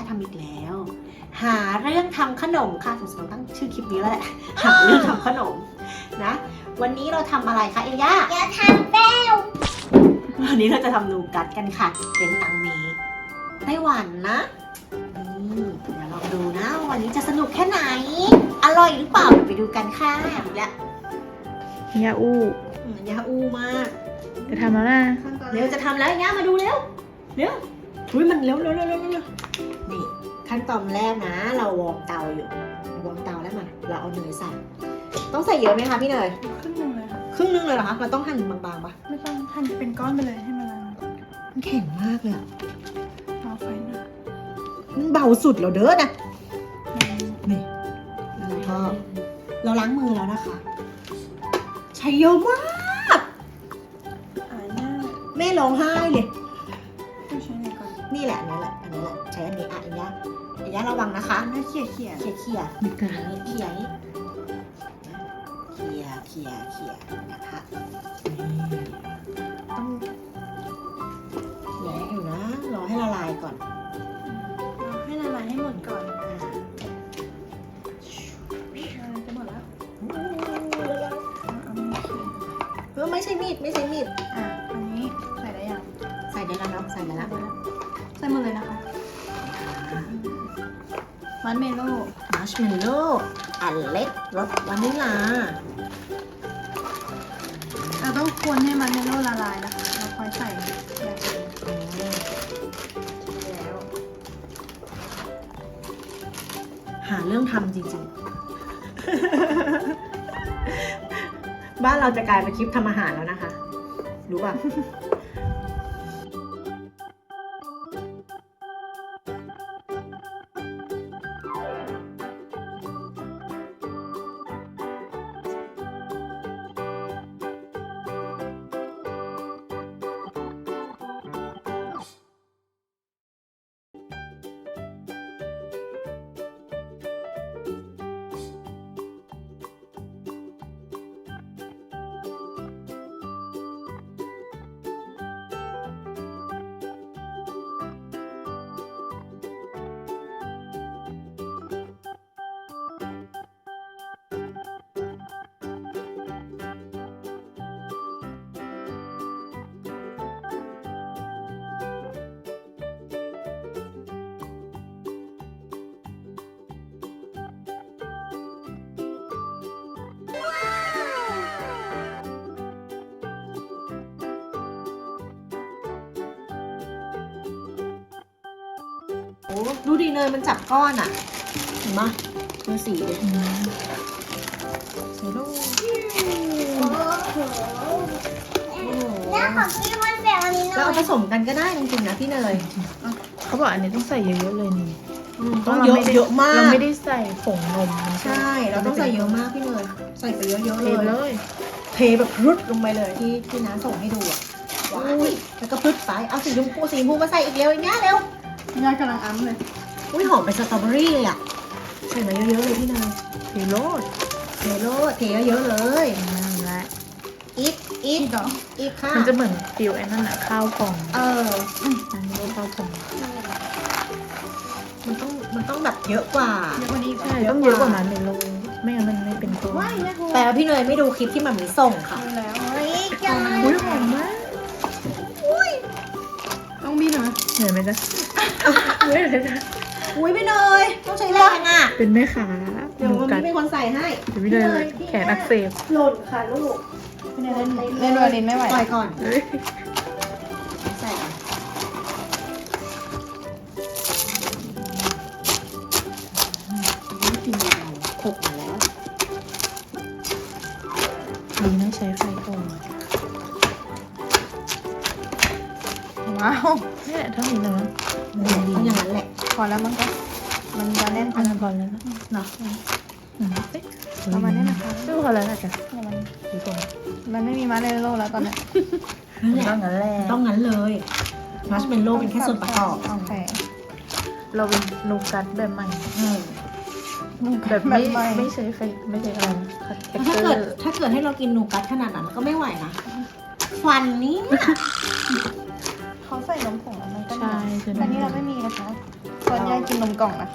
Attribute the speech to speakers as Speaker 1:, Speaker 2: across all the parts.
Speaker 1: ทำอีกแล้ว หาเรื่องทำขนมค่ะสงสัยตั้งชื่อคลิปนี้แล้วแหละหาเรื่องทำขนมนะวันนี้เราทำอะไรคะเอย่า
Speaker 2: จะทำแป้ว
Speaker 1: วันนี้เราจะทำนูกัดกันค่ะเป็นตังเมไต้หวันนะนี่เดี๋ยวลองดูนะวันนี้จะสนุกแค่ไหนอร่อยหรือเปล่าเดี๋ยวไปดูกันค่ะและ
Speaker 3: ยาอู้
Speaker 1: ยาอูมาก
Speaker 3: จะทำแล้วนะ
Speaker 1: เร็วจะทำแล้วย่ามาดูเร็วเร็วอุ้ยมันเร็วนี่ขั้นตอนแรกนะ เราวอร์มเตาอยู่วอร์มเตาแล้วมาเราเอาเนยใส่ต้องใส่เยอะไหมคะพี่เนย
Speaker 3: ครึ่งหนึ่งเลยค่ะ
Speaker 1: ครึ่งนึงเลยเหรอคะมันต้องหั่นบางๆปะ
Speaker 3: ไม่ต้องหั่นเป็นก้อนไปเลยให้มันละลาย
Speaker 1: มันแข็งมากเลยอะ
Speaker 3: เอาไฟหนะ
Speaker 1: มันเบาสุดแล้วเด้อนะนี่แล้วก็เราล้างมือแล้วนะคะใช้เยอะมาก
Speaker 3: อ่าหน้า
Speaker 1: แม่ร้องไห้เลย
Speaker 3: ต้องใช้ไหนก่อน
Speaker 1: นี่แหละอันนี้แหละใช้อันนี้อ่ะอันนี้ระวังนะคะ
Speaker 3: แม่เขี่ย
Speaker 1: เขี่ย
Speaker 3: มีกา
Speaker 1: อันนี้เขี่ยนี้เขี่ยนะคะต้องเขี่ยให้อยู่นะรอให้ละลายก่อน
Speaker 3: เราให้ละลายให้หมดก่อนจะหมดแล้วเอามีดเขี่ย
Speaker 1: ไม่ใช่มีด
Speaker 3: อ่ะอันนี้ใส่ได้ยัง
Speaker 1: ใส่ได้แล้วเนาะใส่ได้แล้ว
Speaker 3: ใส่หมดเลยนะคะมันเมโล่
Speaker 1: มัชเมลโล่อันเล็กรสวานิลลา
Speaker 3: เราต้องคนให้มันเมโล่ละลายนะคะเราค่อยใส่อย่างอื่นแล้ว
Speaker 1: หาเรื่องทำจริงๆ บ้านเราจะกลายเป็นคลิปทำอาหารแล้วนะคะ รู้ป่ะ โอ้ดูดีเนยมันจับก้อนอ่ะ เห็นปะดูสีเลยใส่ลูก
Speaker 2: โอ้โห
Speaker 1: โอ้โห
Speaker 2: แล้วของพี่มันแบบอันนี้ห
Speaker 1: เรา
Speaker 2: น่อ
Speaker 1: เอา
Speaker 2: ย
Speaker 1: ผสมกันก็ได้จริงๆนะพี่เนย
Speaker 3: เขาบอกอันนี้ต้องใส่เยอะๆเลยนี่
Speaker 1: ต้องเยอะมาก
Speaker 3: เราไม่ได้ใส่ผงนมมัน
Speaker 1: ใช่ เราต้องใส่เยอะมากพี่เนยใส่ไปเยอะๆ
Speaker 3: เท
Speaker 1: เล
Speaker 3: เลย ย
Speaker 1: เทแบบรุดลงไปเลยที่น้าส่งให้ดูอ่ะว้ายแล้วก็พึดไปเอาสีชมพูมาใส่อีกเร็วอีกเนี้ยเร็ว
Speaker 3: ย่ากำลังอ้ำเลย
Speaker 1: อุ้ยหอมเป็นสตรอเบอรี่เลยอ่ะใส่มาเยอะๆเลยพี่เนย
Speaker 3: เทโรด
Speaker 1: เทโลเทเยอะๆเลย
Speaker 3: นั่นแหละ
Speaker 1: อีก
Speaker 3: อีกเหรอ
Speaker 1: อีกค่ะ
Speaker 3: มันจะเหมือนฟิวไอ้นั่นอะข้าวพอง
Speaker 1: เออ
Speaker 3: อันนี้ข้าวพอง
Speaker 1: มันต้องแบบเยอะกว่า
Speaker 3: เยอะกว่านี้ใช่ต้องเยอะกว่านั้นเมโลไม่งั้นมันไม่เป็นตัว
Speaker 2: ว้ายแม่ครู
Speaker 1: แต่พี่เนยไม่ดูคลิปที่มันมีส่งค่ะ
Speaker 3: ดูแล้ว
Speaker 2: เฮ้ยจัง
Speaker 3: อุ้ยหอมมากต้องบีหน่อยเหนื่อยไหมจ๊ะเหนื่อยเลยจ๊ะ
Speaker 1: อุ้ยพี่เนยต้องใช้แรงอ่ะ
Speaker 3: เป็นแม่ค้า
Speaker 1: เดี๋ยววัน
Speaker 3: กั
Speaker 1: นี้เป็นคนใส่ให้
Speaker 3: เดี๋ยวพี่เลยแขนอักเสบ
Speaker 1: หล่นค่ะลูก
Speaker 3: เล่นวอลเลนไม่ไหว
Speaker 1: ปล่อยก่อน
Speaker 3: เฮ้ย
Speaker 1: ใส่ก่อนกินเราหกมาแล้ว
Speaker 3: ดีนะใช้ไฟอ่อนว้าวนี่แหละเท่านี้นะ
Speaker 1: ต้องอย่างนั้นแหละ
Speaker 3: พอแล้วมั้งก็มันจะแน่นพอแล้วนะ
Speaker 1: เนาะ
Speaker 3: ประมาณนี้นะคะดูพอแล้วนะจ๊ะมันดูตรงมันไม่มีมาเลโลแล้วตอนนี้
Speaker 1: นั่นแหละ
Speaker 3: ต้องงั้นแหละ
Speaker 1: ต้องงั้นเลยมัชเมลโล่เป็นแค่ส่วนประกอบ
Speaker 3: โอเคเราเป็นนูกัดแบบใหม่
Speaker 1: อืม
Speaker 3: แบบไม่ใช้ไฟไม่ใช่อะไรนะเท็ก
Speaker 1: ถ้า
Speaker 3: เจอ
Speaker 1: เกิด
Speaker 3: ร์
Speaker 1: ถ้าเกิดให้เรากินนูกัสขนาดนั้นก็ไม่ไหวนะฟันนี้
Speaker 3: เขาใส่นมผงแล้วมันก็ใช่แต่นี่เราไม่มีนะคะส่วนใหญ่กินนมกล่องนะคะ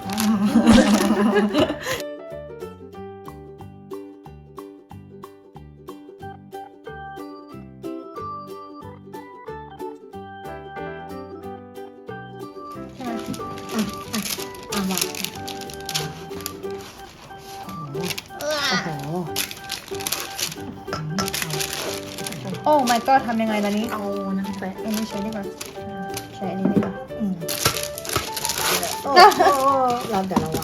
Speaker 1: วางโอ้โห
Speaker 3: โอ้ my god ทำยังไงล่ะนี้
Speaker 1: เอาน้ำแปะ
Speaker 3: อันนี้ใช้ดีกว่าใช้อันนี้ดีกว่า
Speaker 1: โอ้โหเราเดี๋ยวเราวาง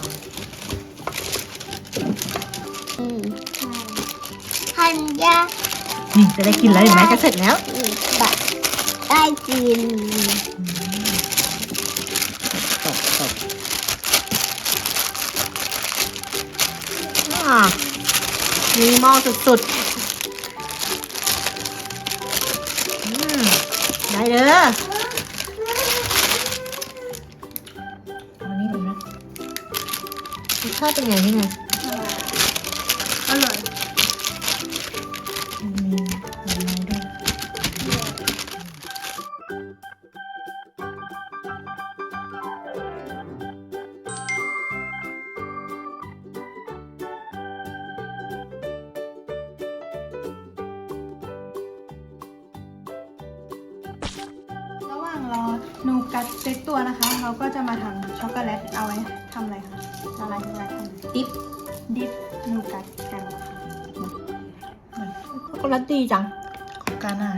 Speaker 2: ทันยา
Speaker 1: นี่จะได้กินแล้วเห็นไหมจะเสร็จแล้ว
Speaker 2: แบบได้กิน
Speaker 1: ตบมีหม้อสุดๆได้เด้อเอานี่เลยนะรสชาติเป็นไงนี่ไง
Speaker 3: อร่อย
Speaker 1: มีเนื้อด้วย
Speaker 3: ระหว่างรอนูกัดเซ็ตตัวนะคะ เราก็จะมาทำช็อกโกแลตเอาไว้ทำอะไรคะละลายช็อกโกแลตทำ
Speaker 1: ดิฟ
Speaker 3: ดิฟนูกัดกันนะคะ
Speaker 1: ช็อกโกแลตดีจัง
Speaker 3: ของการอาหาร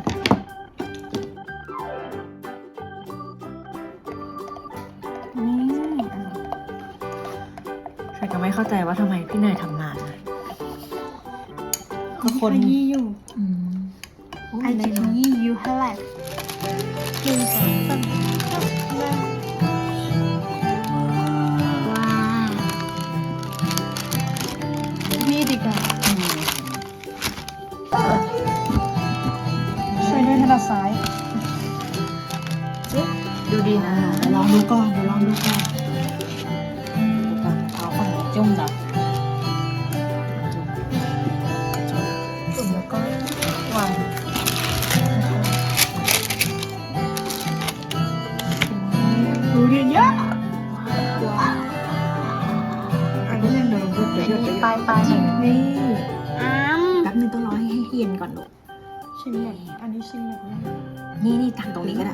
Speaker 3: นี่
Speaker 1: ใครก็ไม่เข้าใจว่าทำไมพี่เนยทำนานนะคือคน
Speaker 3: ขยี้อยู่
Speaker 1: ไอ
Speaker 3: ไอจะขยี้อยู่เท่าไหร่1 2 3
Speaker 1: ว้าว
Speaker 3: นี่ดีกว่าช่วยด้วยถนัดซ้าย
Speaker 1: ดูดีนะลองดูก่อนเดี๋ยวลองดูก่อนเอาคนจุ่มแบบจุ่มแล้วก็วางดูดีเยอะว้าวอันนี้ยังเดิมด้วยเดี๋ยวปลายนี่ แป๊บนึงต้องรอให้เย็นก่อนลูก
Speaker 3: ชิ้นใหญ่อันนี้ชิ้นใหญ่มาก
Speaker 1: นี่ตักตรงนี้ก็ได้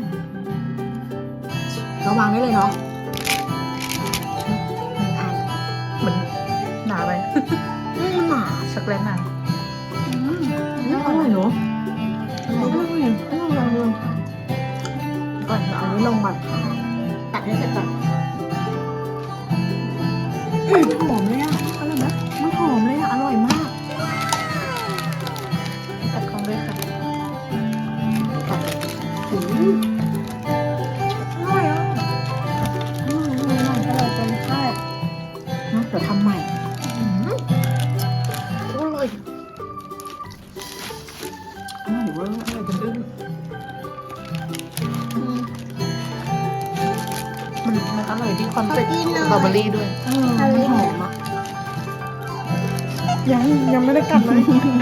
Speaker 1: เราวางได้เลยเนาะหนึ่งอัน
Speaker 3: เหมือนหนาไป
Speaker 1: หนา
Speaker 3: ช็อกโกแลตหนา
Speaker 1: อร่อยเนาะอร่อยก่อนเอานี้ลงก่อนตัดให้เสร็จก่อนหอมเลยอ่ะอร่อยไหมมันหอมเลยอ่ะอร่อยมาก
Speaker 3: ตัดของด้วยค่ะ
Speaker 1: อร่อยอ่ะอร่อยจนแซ่บเนาะเดี๋ยวทำใหม่อร่อยเวอร์อร่อยจนอึ้ง
Speaker 3: มันอร่อยที่คอนเฟกต์
Speaker 2: กินหน่อย
Speaker 3: สตรอเบอรี่ด้วย
Speaker 1: มันหอมอ่ะ
Speaker 3: ยังไม่ได้กลับเลย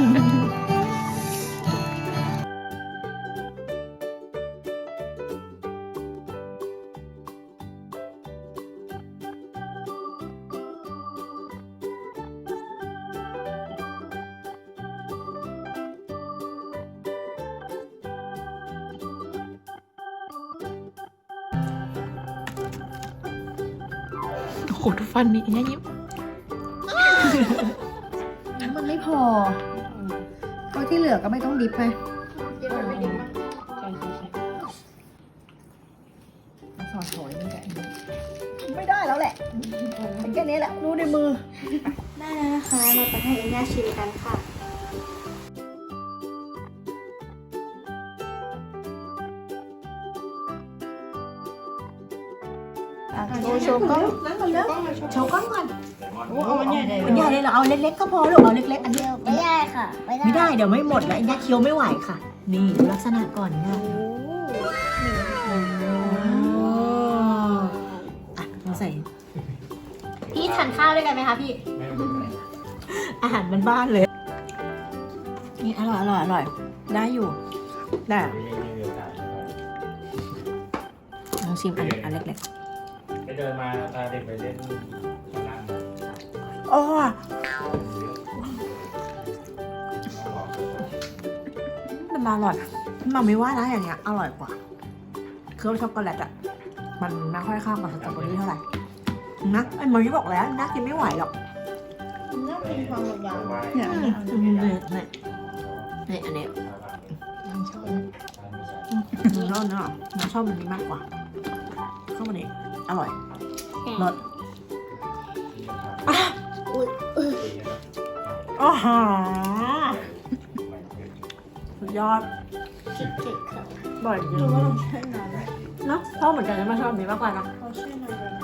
Speaker 3: โอ้โหทุกฟันมีอย่างเงี้ยยิ้ม
Speaker 1: มันไม่พอเพราะที่เหลือก็ไม่ต้องดิบไปสอดถอยนี่แหละไม่ได้แล้วแหละเป็นแค่นี้แหละรู้ในมือ
Speaker 2: ได้แล้วนะคะ เราไปให้เอ็นย่าชิมกันค่ะ
Speaker 3: โชว์กล้อง
Speaker 1: โชว์ก้อนก่อน
Speaker 3: เอาอันใหญ่เลย
Speaker 1: อันใหญ่เลยเหรอเอาเล็กๆก็พอลูกเอาเล็กๆอันเดียว
Speaker 2: ไม่ได้ค่ะ
Speaker 1: ไม่ได้เดี๋ยวไม่หมดแล้วอันนี้เคี้ยวไม่ไหวค่ะ นี่ดูลักษณะก่อนนะอ่ะเราใส่พี่ทานข้าวด้วยกันไหมคะพี่ อาหารบ้านๆเลย นี่อร่อยได้อยู่ได้ลองชิมอันเล็ก
Speaker 4: ไปเดินมาพาเด็กไปเล่นข้างล่าง
Speaker 1: ๆโอ้มันอร่อยมันไม่ว่านะอย่างเงี้ยอร่อยกว่าเครื่องช็อกโกแลตอะมันไม่ค่อยเข้ากับสตรอเบอรี่เท่าไหร่นะไอ้เมย์บอกแล้วน่ากินไม่ไหวหรอก
Speaker 2: น่ากินความยาว
Speaker 3: เนี่ยอันนี้อันนี้
Speaker 1: นี่อันนี้
Speaker 2: ๆชอบนะ
Speaker 1: ชอบเนาะมันชอบมันนี้มากกว่าข้าวมันนี้อร่อยรส
Speaker 2: อุ้ย
Speaker 1: อ๋อสุดยอด
Speaker 2: เจ็บค่ะ
Speaker 1: บ่อยจริ
Speaker 3: ดู
Speaker 1: ง
Speaker 3: ว่าเราแช่นานไหม
Speaker 1: เนาะชอบเหมือนกันนะมาชอบอันนี้มากกว่านะ
Speaker 3: เราแช่นานเลยนะ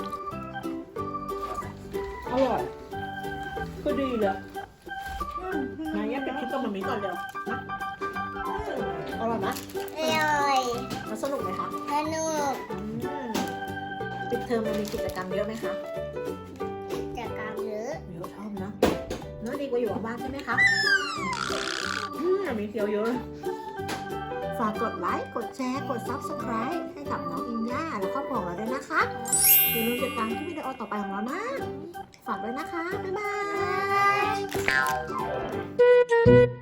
Speaker 1: อร่อยก็ดีเลยงั้นแยกเป็นคลิปกับมันนี้ก่อนเร็วนะอร่อยไหม
Speaker 2: อร่อย
Speaker 1: แล้วสนุกไหมคะ
Speaker 2: สนุก
Speaker 1: ปิดเทอมมันมีกิจกรรมเยอะไหมคะ
Speaker 2: จากการเยอะ
Speaker 1: เยอะชอบนะเนื้อดีกว่าอยู่กับบ้านใช่ไหมคะมีเที่ยวเยอะ ฝากกดไลค์ กดแชร์ กด Subscribe ให้กับน้องอินย่าและครอบครัวของเราด้วยนะคะ อย่าลืมติดตามที่วิดีโอต่อไปของเรานะ ฝากด้วยนะคะ บ๊ายบาย